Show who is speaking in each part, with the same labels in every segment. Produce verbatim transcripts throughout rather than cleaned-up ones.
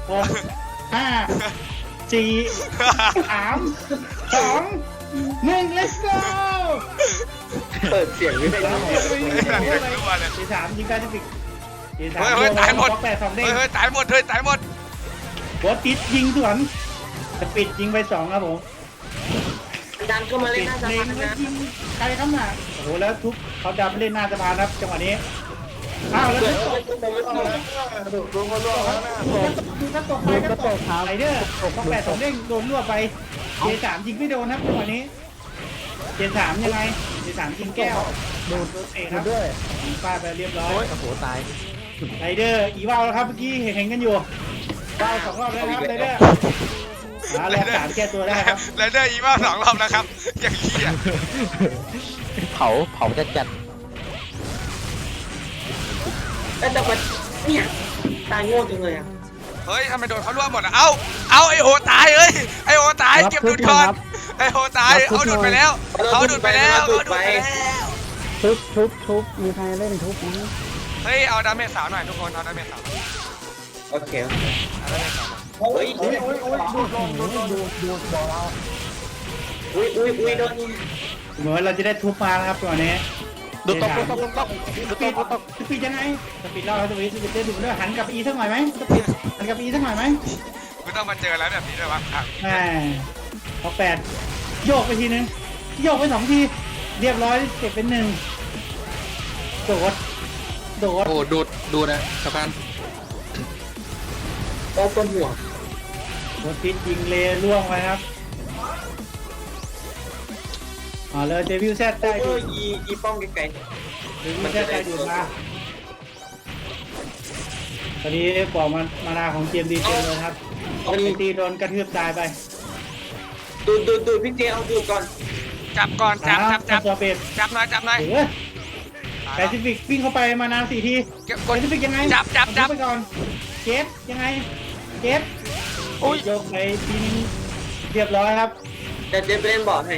Speaker 1: หกห้าสี่สามสองหนึ่ง let's go
Speaker 2: เปิดเสียงไม่ได้
Speaker 1: ทีสามยิงแปซิฟิกทีสาม
Speaker 3: เฮ้ยเฮ้ยตายหมด
Speaker 1: แปดสองเด้ง
Speaker 3: เฮ้ยเฮ้ยตายหมดเฮ้ยตายหมด
Speaker 1: โบอสติดยิงสวนสปิดยิงไปสองครับผม
Speaker 2: ดันเข้ามาเล่
Speaker 1: ปิ
Speaker 2: น
Speaker 1: ด
Speaker 2: หน้าสะ
Speaker 1: เล็
Speaker 2: พาง น
Speaker 1: แล้ว
Speaker 2: นะ
Speaker 1: ยิงใครครับน่ะโอ้โหแล้วทุบเขาดับเล่นหน้าสะพานครับจังหวะนี้อ้าวแล้วทุบตก
Speaker 4: ดูดูเขาล่วงแล้วนะ
Speaker 1: ดูกระตกไปกระตกไรเดอร์ก็แปดสองเด้งโดนรั่วไปเจสามยิงไม่โดนครับจังหวะนี้เจสามยังไงเจสามยิงแก้วดูดเตะครับยิงป้าไปเรียบร้อย
Speaker 4: โอ้ยโอ้โหตาย
Speaker 1: ไรเดอร์อีวาวแล้วครับเมื่อกี้เห็นเห็นกันอยู่วาวสองรอบแล้วครับไรเดอร์หารอบสามแก้ตัวได้ครับ
Speaker 3: ไรเดอร์อีมาสองรอบแล้วครับอย่างเหี้ย
Speaker 4: เผาเผาจัดจัด
Speaker 2: แต่แต่มันเนี่ยตายโง่จังเลยอ่ะ
Speaker 3: เฮ้ยทำไมโดนเขาล่วงหมดอ่ะเอ้าเอาไอโอตายเอ้ยไอโอตายเก็บดูดก่อนไอโอตายเขาดูดไปแล้วเขาดูดไปแล้วเขาดูดไปแล้ว
Speaker 5: ทุบทุบทุบมีใครเล่นทุบไหม
Speaker 3: เฮ้ยเอาดาเมจสาวหน่อยทุกคนเอาดาเมจสาว
Speaker 2: โอเค
Speaker 3: เอาดาเมจสาว
Speaker 2: เฮ้ย
Speaker 4: โอ้ยโอ้ยโอ้ยดูดดูดดูดดูดบอกเรา
Speaker 2: อุ้ยอุ้ยอุ้ยโดน
Speaker 1: เหมือนเราจะได้ทุบมานะครับตัวนี้
Speaker 4: ดูตกตกตกตก
Speaker 1: สปีดสปีดยังไงสปีดเล่าสปีดสปีดจะดูด้วยหันกลับอีสักหน่อยไหมสปีดหันกลับอีสักหน่อยไหม
Speaker 3: กูต้องมาเจอแล้วแบบนี้ด้วยวะอ่ะ
Speaker 1: แหมพอแปดโยกไปทีนึงโยกไปสองทีเรียบร้อยเก็บเป็นหนึ่งโดดโดด
Speaker 4: โอ้ดูดดูนะสะพาน
Speaker 2: โอ้ต้นหัว
Speaker 1: โดดติดยิงเลล่วงไปครับอ๋อเลยเดวิลแซดได้
Speaker 2: โอ้
Speaker 1: ดู
Speaker 2: ยอีอีป้องไกล
Speaker 1: เดวิลแซดได้ดูมาตอนนี้บอกมันมานาของเจมดีเจเลยครับไอตีโดนกระทืบตายไป
Speaker 2: ๆดูดดูดดูดพี่เจเอาดูดก่อน
Speaker 3: จับก่อนจับจับจับ
Speaker 1: ตัวเป็ด
Speaker 3: จับหน่อยจับหน่อย
Speaker 1: เออแปซิฟิกวิ่งเข้าไปมานาสี่ที
Speaker 3: เก็บก
Speaker 1: แป
Speaker 3: ด
Speaker 1: ซิฟิกยังไง
Speaker 3: จับจับจับ
Speaker 1: ไปก่อนเจฟยังไงเจฟ
Speaker 3: อุ้ย
Speaker 1: โยกไปทีนึงเรียบร้อยครับ
Speaker 2: เดี๋ยวเดี๋ยวไปเล่นบอร์ดให้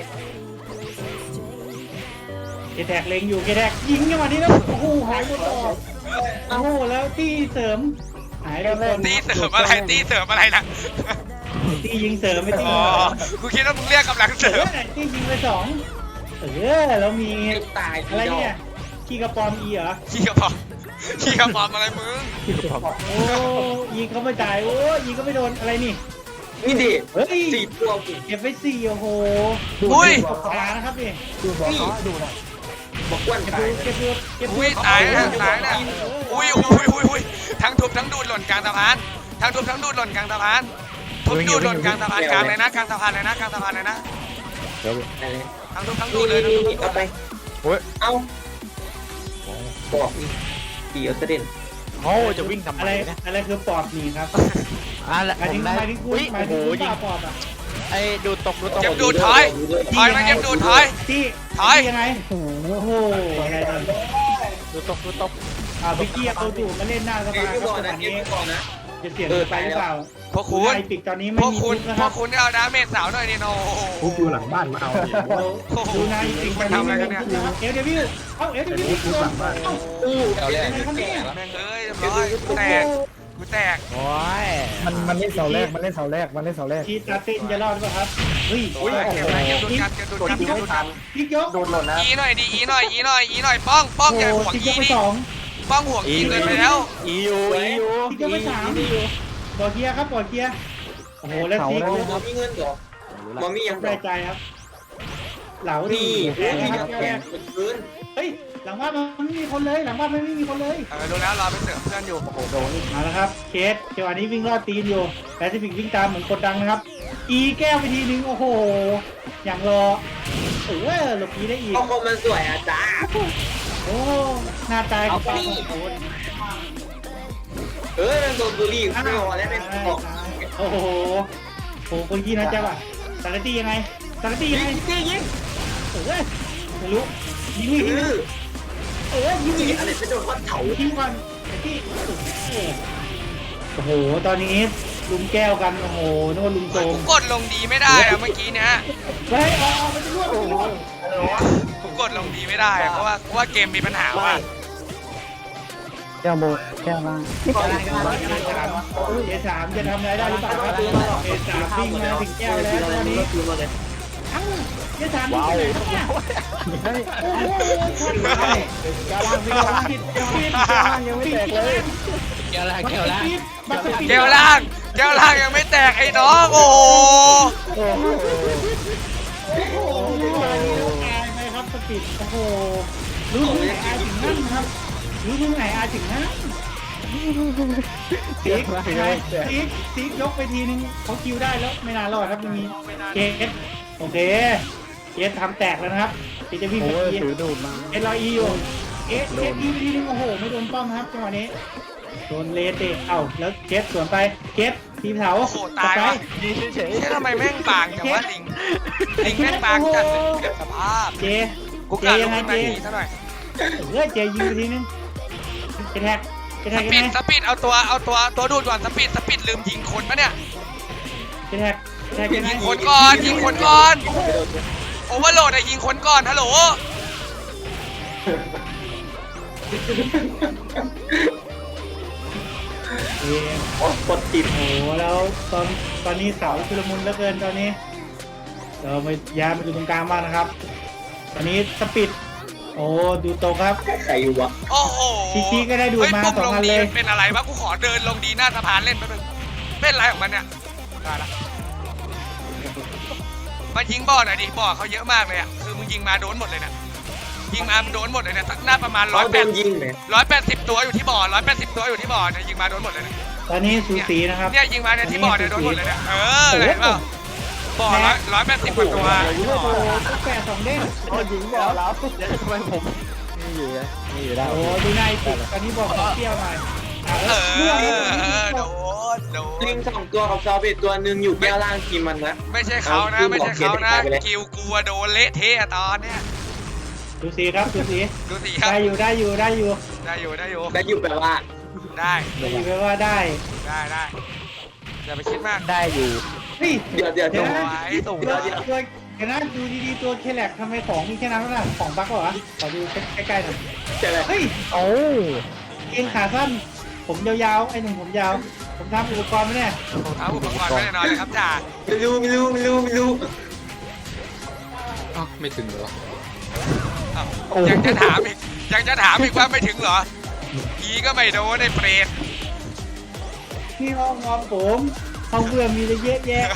Speaker 1: เกแทกเล็งอยู่เกแทกยิงจังหวะนี้แล้วโอ้โหหายหมดต่อโอ้โหแล้วตีเสริมหายไปคน
Speaker 3: ตีเสริมอะไรตีเสริมอะไรนะ
Speaker 1: ตียิงเสริมไม่ตี
Speaker 3: อ๋อกูคิดว่ามึงเรียกกำลังเสริ
Speaker 1: เอ
Speaker 3: ม
Speaker 1: อตียิงไปสองเออแล้วมี
Speaker 2: ตาย
Speaker 1: อะไรเนี่ยขี้กระปอมอีเหรอ
Speaker 3: ขี้กระป๋องขี้กระป๋องอะไรมึง
Speaker 1: โอ้ยิงเขาไม่จ่ายโอ้ยิงก็ไม่โดนอะไรนี่
Speaker 2: นี่ดิ
Speaker 1: เฮ้ย
Speaker 2: สี่ตัวกู
Speaker 1: เก็บไปสี่โอ้โห
Speaker 3: อุ้ย
Speaker 1: ตานะครับนี่
Speaker 4: ดูบอกเขาดูนะ
Speaker 2: บอกอ้วน
Speaker 1: เก็บ
Speaker 2: ตา
Speaker 1: ดู
Speaker 2: ย
Speaker 1: เก็บดูเก็บดู
Speaker 3: อุ้ยตายนะตายนะอุ้ยอุ้ยอุ้ยอุ้ยทั้งทุบทั้งดูดหล่นกลางสะพานทั้งทุบทั้งดูดหล่นกลางสะพานทุบดูดหล่นกลางสะพานกลางเลยนะกลางสะพานเลยนะกลางสะพานเลยนะ
Speaker 2: อะไร
Speaker 3: ทั้งทุบทั้งดู
Speaker 2: นี่
Speaker 3: ดเลย
Speaker 2: นี่
Speaker 3: ทั้งทุ
Speaker 2: นี่
Speaker 3: บทั้งดู
Speaker 2: เอา
Speaker 3: ด
Speaker 2: ไป
Speaker 4: โอ้ย
Speaker 2: เอาบอกนี่ดีเอาเสด็จ
Speaker 4: โอ้จะวิ่งทำไม
Speaker 1: อะไร
Speaker 4: เนี่ย
Speaker 1: อะไรคือปอบหนีครับ
Speaker 4: อ่ะแหละ
Speaker 1: หมาย
Speaker 4: ผ
Speaker 1: ถึง
Speaker 4: มได้
Speaker 1: หมายถึงคุณ
Speaker 4: อุ้ย
Speaker 1: หมาย
Speaker 4: โอ้
Speaker 1: ถึง
Speaker 4: โห
Speaker 1: คุณ
Speaker 4: ยิง
Speaker 1: ป่าปอบอ่ะ
Speaker 4: ไอ้ดูตกดูตก
Speaker 3: เก็บดูดถอยถอยมาเก็บดูดถอย
Speaker 1: ที่
Speaker 3: ถอย
Speaker 1: ที่ยังไงโอ้โหอะไรกัน
Speaker 4: ดูตกดูตก
Speaker 1: อ่าพิกกี้เอาดูมาเล่นหน้าส
Speaker 2: เก็
Speaker 1: ภา
Speaker 2: บ
Speaker 1: ครับ
Speaker 2: ไว้ก่อน
Speaker 1: จังห
Speaker 2: นะ
Speaker 1: วะ
Speaker 2: เก็บ
Speaker 1: นี้
Speaker 2: ไว้ก่อนนะ
Speaker 1: จะเสี่ยงไปหรือเปล่า
Speaker 3: พวกคุณ
Speaker 1: ไอปิกตอนนี้
Speaker 3: พ
Speaker 1: ไม่
Speaker 3: วก
Speaker 1: มี
Speaker 3: คุณ
Speaker 1: ทุบนะ
Speaker 3: พ
Speaker 1: คว รั
Speaker 3: ก
Speaker 1: บ
Speaker 3: คุณเอาดาเมจสาวหน่อยนี่โน
Speaker 5: ทุบอยู่หลังบ้านมาเอา
Speaker 1: ดูนายปิกตอนนี้ไม่มีทุบนะครับเอลเดวิลเอ้าเอลเดวิลโดนเอ้า
Speaker 2: อู้
Speaker 4: เอาเลย
Speaker 1: อะไรครับเนี่ย
Speaker 3: แม่งเอ้ยเรียบร้อยกูแตกกูแตก
Speaker 4: โอ้ย
Speaker 5: มันมันเล่นเสาแรกมันเล่นเสาแรกมันเล่นเสาแรก
Speaker 1: ทีตาตินจะรอดหรือเปล่าครับเฮ้ย
Speaker 3: อุ้ยเก็บอะไรเก็บดูดกันเก็บดูดกันเก็บดูดกัน
Speaker 1: พลิกยก
Speaker 5: โดนหล่นนะ
Speaker 3: อีหน่อยดีอีหน่อยอีหน่อยอีหน่อยป้องป้องอย่าห่วง
Speaker 1: พลิกย
Speaker 3: อี
Speaker 1: กไป
Speaker 3: นี่
Speaker 1: สอง
Speaker 3: ป้องห่วงอีเกินไปแล้ว
Speaker 4: อียูอียู
Speaker 1: พลิกยกไปสามปอดเกียร์ครับปอดเกียร์โอ้โหแล้วซี
Speaker 2: หมอมีเงินเหรอหมอมียัง
Speaker 1: ได้ใจครับ เหลาดี
Speaker 2: นี่
Speaker 1: แร
Speaker 2: โอ้
Speaker 1: ง
Speaker 2: ย
Speaker 1: นะครับ
Speaker 2: แข
Speaker 1: แร
Speaker 2: น
Speaker 1: ง
Speaker 2: เป็นพื้น
Speaker 1: เฮ้ยหลังบ้านมันไม่มีคนเลยหลังบ้านมันไม่มีคนเลย
Speaker 3: เออรู้แล้วรอไปเสริมเพื่อนอยู่
Speaker 1: มาแล้วครับเคสจังหวะนี้วิ่งรอดตีนอยู่แปซิฟิกวิ่งตามเหมือนกดดังนะครับ อีแก้วไปทีนึงโอ้โหอย่างรอเออหลบอีได้อีก
Speaker 2: เอาคอมมันสวยอ่ะจ้า
Speaker 1: โอ้หน้าตายของปลา
Speaker 2: เอาไป
Speaker 1: โอ้โห
Speaker 2: เออมันโดนบุหรี่ไม่พอแล้วเป็นบอก
Speaker 1: โอ้โหโอ้โหคนกี้นะจ๊ะว่ะสารตี้ยังไงสารตี้ยังไง
Speaker 2: ยิงยิงยิง
Speaker 1: เออไม่รู้ยิงไม่ยิง
Speaker 2: เออ
Speaker 1: เออยิงไม่
Speaker 2: ยิ
Speaker 1: ยิ
Speaker 2: ง
Speaker 1: ง
Speaker 2: อะไรไปโดนวัดเถา
Speaker 1: ยิงก่อนสารตี้โอ้โหตอนนี้ลุมแก้วกันโอ้โหนึกว่าลุมโจ
Speaker 3: กู
Speaker 1: ม
Speaker 3: กดลงดีไม่ได้อะเมื่อกี้เนี้ย
Speaker 1: เฮ้ยอ๋อมันจะรวดมันจะรวด
Speaker 3: กูกดลงดีไม่ได้อะเพราะว่าเพราะว่าเกมมีปัญหาว่ะ
Speaker 5: แก้วโบแก้วล่าง
Speaker 1: เอสามจะทำอะไรได้หรือเปล่าครับเอสามวิ่งมาถึงแก้วแล้วตอนนี้เอ้าเอสามวิ่งไปไหนเนี่ยโอ้โหคนร้าย
Speaker 5: แก้วล่างพี่แก้วล่าง
Speaker 1: ปิดปิด
Speaker 5: แก้วล่างยังไม่แตกเลย
Speaker 4: แก้วล่างแก้วล่าง
Speaker 1: บัตรปิด
Speaker 3: แก้วล่างแก้วล่างยังไม่แตกไอ้น้องโอ้โห
Speaker 5: โอ้โห
Speaker 1: โอ้โหอายไหมครับสปิดโอ้โหรู้ถึงไหนอายถึงนั่นครับรู้ถึงไหนอายถึงนั่นซีกซีกซีกยกไปทีนึงเขาคิวได้แล้วไม่นานรอดครับยังมีเกสโอเคเกสทำแตกแล้วนะครับเกสจะวิ่ง
Speaker 5: โอ้
Speaker 1: ไป
Speaker 5: ย
Speaker 1: ที
Speaker 5: ถือดูดมา
Speaker 1: เอสลอยอีอยู่เกสเกสอีไปทีนึงโอ้โหไม่โดนป้อมครับจังหวะนี้โดนเลเตะเอ้าแล้วเกสสวนไปเกสทีมเถา
Speaker 3: โอ้โหตายวะ
Speaker 4: ยืนเฉย
Speaker 3: เฮ้ยทำไมแม่งบางจังวะลิงลิงแม่งบางจัดเลยสภาพ
Speaker 1: เจ
Speaker 3: กู
Speaker 1: เจ
Speaker 3: กะล
Speaker 1: ยัง งไง
Speaker 3: ขึ้น
Speaker 1: เจ
Speaker 3: มาหนีซะหน่อย
Speaker 1: เออเจยิงไปทีนึงเจแท็กเจ
Speaker 3: ส
Speaker 1: แท็ก
Speaker 3: ปี
Speaker 1: ยัง
Speaker 3: ด
Speaker 1: ไง
Speaker 3: สปีดเอาตัวเอาตัวตัวดูดก่อนสปีดสปีดลืมยิงคนปะเนี่ย
Speaker 1: เจแท็กเจแท็กยังไง
Speaker 3: ยิงคนก่อนยิงคนก่อนโอเวอร์โหลดอะยิงคนก่อนฮัลโหล
Speaker 1: เจ
Speaker 2: โอ้กดติด
Speaker 1: โอ้โหแล้วตอนตอนนี้เสาชุลมุนเหลือเกินตอนนี้เราไปย้ายมาอยู่ตรงกลางบ้างนะครับ ตอนนี้สปีดโอ้ดูตรงครับ
Speaker 2: ใครอยู่วะ
Speaker 3: โอ้โห
Speaker 1: ชี้ๆก็ได้ดูดมา
Speaker 3: เฮ้ยปุ่ม
Speaker 1: สอง
Speaker 3: ลง
Speaker 1: อัน
Speaker 3: ดี
Speaker 1: เลย
Speaker 3: มันเป็นอะไรวะกูขอเดินลงดีหน้าสะพานเล่นแป๊บนึงเป็นอะไรของมันเนี่ยได้ละมายิงบ่อหน่อยดิบ่อเขาเยอะมากเลยอ่ะคือมึงยิงมาโดนหมดเลยเนี่ยยิงมามันโดนหมดเลยเนี่ยหน้าประมาณร้อย
Speaker 2: เขา
Speaker 3: แป
Speaker 2: โด
Speaker 3: ด
Speaker 2: นยิงเนี่ย
Speaker 3: ร้อยแปดสิบตัวอยู่ที่บ่อร้อยแปดสิบตัวอยู่ที่บ่อเนี่ยยิงมาโดนหมดเลยเนี่ย
Speaker 1: ตอนนี้สูสีนะครับ
Speaker 3: เนี่ยยิงมาเนี่ยที่บ่อเนี่ยโดนหมดเลยเนี่ยเออเห็นเปล่าบ่อร้อยร้อยแปดสิบกว่าตัว
Speaker 1: โอ้โหแปดสองเด้ง
Speaker 5: โอ้ยิงบอกแล้วเดี๋ยวทำไมผมนี่อยู่นะนี่อยู่ได้
Speaker 1: โอ้ดูนายติดตอนนี้บอกขอเปรี้ยวหน่อยอ่ะ
Speaker 3: เอ
Speaker 1: แล้วเมื่อ
Speaker 3: อโดนโด
Speaker 2: ลิ
Speaker 3: น
Speaker 2: งสองตัวกับซอเบตตัวหนึ่งอยู่แก้วล่างทีมมันนะ
Speaker 3: ไม่ใช่เขานะไม่ใช่เขานะกิวกลัวโดนเละเทะตอนเนี้ย
Speaker 1: ดูสีครับดูสี
Speaker 3: ดูสิครับ
Speaker 1: ได้อยู่ได้อยู่ได้อยู่
Speaker 3: ได้อยู่ได้อยู่
Speaker 2: ได้อยู่แปลว่า
Speaker 3: ได้
Speaker 1: ได้อยู่แปลว่าได้
Speaker 3: ได้ได้อย่าไปคิดมาก
Speaker 4: ได้อยู่
Speaker 1: เฮ้ย
Speaker 2: เดี๋ยวเดี๋ยว
Speaker 1: เดี๋
Speaker 2: เดี๋
Speaker 1: ย
Speaker 2: ยว ว
Speaker 1: นะ
Speaker 3: ไว้ส่ง
Speaker 1: ตัวตัวเดี๋ยวนะดูดีๆตัวเคแลกทำไมของมีแค่นั้นวะของบั๊กเหรอขอดูใกล้ๆหน่อย
Speaker 2: เจะอะไร
Speaker 1: เฮ้ย
Speaker 5: โอ้
Speaker 1: เองขาสั้นผมยาวๆไอ้หนุ่มผมยาวผมทำอุปกรณ์ไหมเนี่ย
Speaker 3: ผมเอาอุปกรณ์ไว้แน่นอนเลยครับจ่า
Speaker 2: ไม่รู้ไม่รู้ไม่รู้ไม่รู้
Speaker 3: อ้าวไม่ถึงเหรออ้าวยังจะถามอีกยังจะถามอีกว่าไม่ถึงเหรอพีก็ไม่โดนไอ้เปรต
Speaker 1: ที่ห้องนอนผมห้องเพื่อนมีเยอะแยะ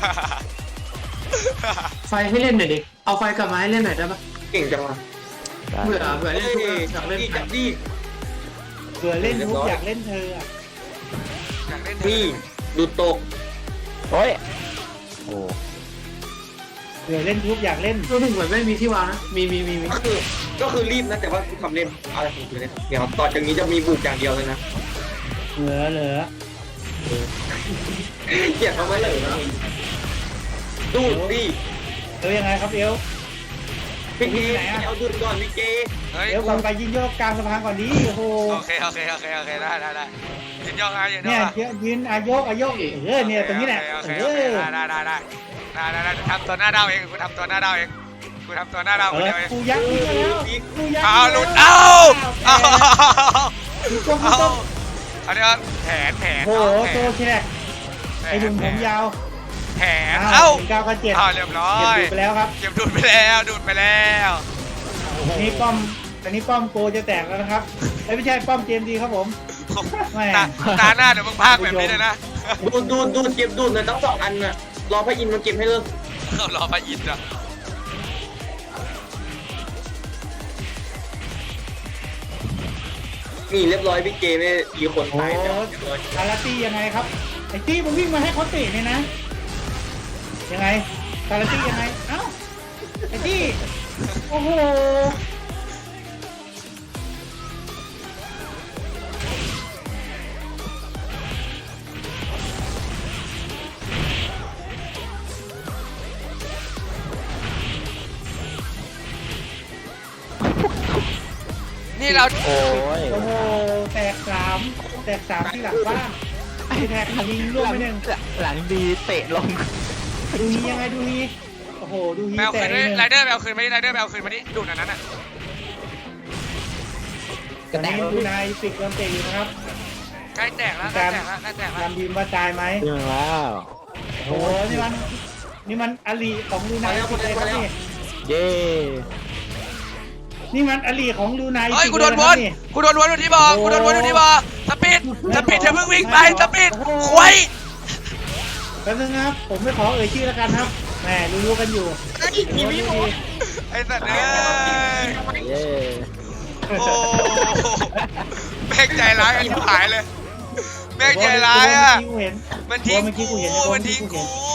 Speaker 6: ไฟให้เล่นหน่อยดิ เอาไฟกลับมาให้เล่นหน่อยได้ปะ
Speaker 2: เก่งจังวะ
Speaker 6: เบื่อเบื่อ
Speaker 2: เฮ้
Speaker 6: เล่น
Speaker 2: ย
Speaker 6: ทุกเรื่องอยากเล่น
Speaker 2: นี่
Speaker 6: ไฟ
Speaker 2: จับดี
Speaker 1: เผื่อเล่นทุกอยากเล่นเธออะ
Speaker 3: อยากเล่น
Speaker 2: นี่ดูตก
Speaker 4: โอ้ยโอ้
Speaker 1: เผื่อเล่นทุกอยากเล่น
Speaker 6: รู้ถึงเหมือนไม่มีที่วางนะ มีมีมีมี
Speaker 2: ก็คือก็คือรีบนะแต่ว่ากูทำเล่นอะไรของกูเนี่ยเดี๋ยวต่อจากนี้จะมีบุกอย่างเดียวเลยนะ
Speaker 1: เหลือเหลือ
Speaker 2: เกลียดเขาไว้เลยนะดูดดิ
Speaker 1: เอวยังไงครับเอว
Speaker 2: พี่เกเอาดูดก่อนพี่เก
Speaker 3: เฮ้ย
Speaker 1: เอวก่อนไปยิงโยกกลางสะพานก่อนดีโอ้โห
Speaker 3: โอเคโอเคโอเคโอเคได้ได้ได้ยืนย่องนะยืนย่
Speaker 1: เนี่
Speaker 3: อย ง
Speaker 1: เยอะยืนอายกอายกเออเนี่ยตรงนี้แหละ
Speaker 3: โอเค
Speaker 1: เอ
Speaker 3: โอเค
Speaker 1: อ
Speaker 3: ได้ได้ได้ได้ได้ได้ทำตัวหน้าดาวเองกูทำตัวหน้าดาวเองกูทำตัวหน้าดาว
Speaker 1: เอ
Speaker 3: คน
Speaker 1: อ
Speaker 3: เดียวเอง
Speaker 1: กูยักษ์นี่ก็แล้วกูยักษ์
Speaker 3: เอาหลุดเอาเอา
Speaker 1: ดูตรงดู
Speaker 3: เอา
Speaker 1: ตรง
Speaker 3: อันนี้ว่าแผนแผน
Speaker 1: โอ้โห
Speaker 3: แผ
Speaker 1: โต
Speaker 3: น
Speaker 1: แค่ไอ้หนุ่มผมยาว
Speaker 3: แผน
Speaker 1: เอ้า
Speaker 3: เอ้า
Speaker 1: เก้าก็เจ็ด
Speaker 3: เอาเรียบร้อ
Speaker 1: เจ็บ
Speaker 3: ย
Speaker 1: ดูไปแล้วครับ
Speaker 3: เก็บดูดไปแล้วดูดไปแล้ว
Speaker 1: นี่ป้อมอันนี้ป้อมโกจะแตกแล้วนะครับเอ้ยไม่ใช่ป้อมเจมดีครับผม แม่
Speaker 3: ตาตาหน้าเดี๋ยวมึงพากแบบนี้เลยนะ
Speaker 2: ดูดดูดดูดเก็บดูดเลยทั้งสองอันน่ะรอพระอินทร์มาเก็บให้เลิก
Speaker 3: เขารอพระอินทร์อ่ะ
Speaker 2: นี่เรียบร้อยพี่เกไม่มีคน
Speaker 1: โอ้
Speaker 2: ตายแล้ว
Speaker 1: อาราตี้ยังไงครับไอ้ตี้มันวิ่งมาให้เขาเตะเนี่ยนะยังไงอาราตี้ยังไงเอ้าไอ้ตี้โอ้โห
Speaker 3: นี่เรา
Speaker 4: โอ้ย
Speaker 1: โอ้โหแตกสามแตกสามที่หลังบ้านไอ้แท็กยิงร่วงไปหนึ่ง
Speaker 4: หลังดีเตะลง
Speaker 1: ดูฮียังไงดูฮีโอ้โหดูฮี
Speaker 3: แมว
Speaker 1: แต
Speaker 3: คื
Speaker 1: ก
Speaker 3: น
Speaker 1: ไปหนึ่ง
Speaker 3: ไรเดอร์แมวคืนมาดิไรเดอร์แมวคืนมาดิดูดอันนั้นอ่ะ
Speaker 1: ตอนนี้ดูนายปิดโดนเตะอยู่นะครับ
Speaker 3: ใกล้แตกแล้วใกล้แตกแล้วใกล้แตกแล้ว
Speaker 1: ตามทีมว่าตายไหม
Speaker 4: เรื่องแล้ว
Speaker 1: โอ้โหนี่มันนี่มันอลีของดูนายปิดเลยครับนี่
Speaker 4: เย้
Speaker 1: นี่มันอลีของดูนาย
Speaker 3: เฮ้ยกูโดน
Speaker 1: ปิ
Speaker 3: ว
Speaker 1: เลยะครับ
Speaker 3: นกูโดนวนอยู่ที่บ่อกูโดนวนอยู่ที่บ่อสปีดสปีดเดี๋ยวมึงวิ่งไปสปีดควย
Speaker 1: แป๊บนึงนะครับผมไม่ขอเอ่ยชื่อแล้วกันครับแหมรู้ๆกันอยู่
Speaker 2: ทีวีหมด
Speaker 3: ไอ้สัตว์เอ้ย
Speaker 4: เย้
Speaker 3: โอ้แม่งใจร้ายกันที่หายเลยแม่งใจร้ายอ่ะ
Speaker 1: เมื่อกี้กูเห็น
Speaker 3: มันทิ้ง
Speaker 1: เมื่อกี้
Speaker 3: กู
Speaker 1: กูเห็น
Speaker 3: มันทิ้งกู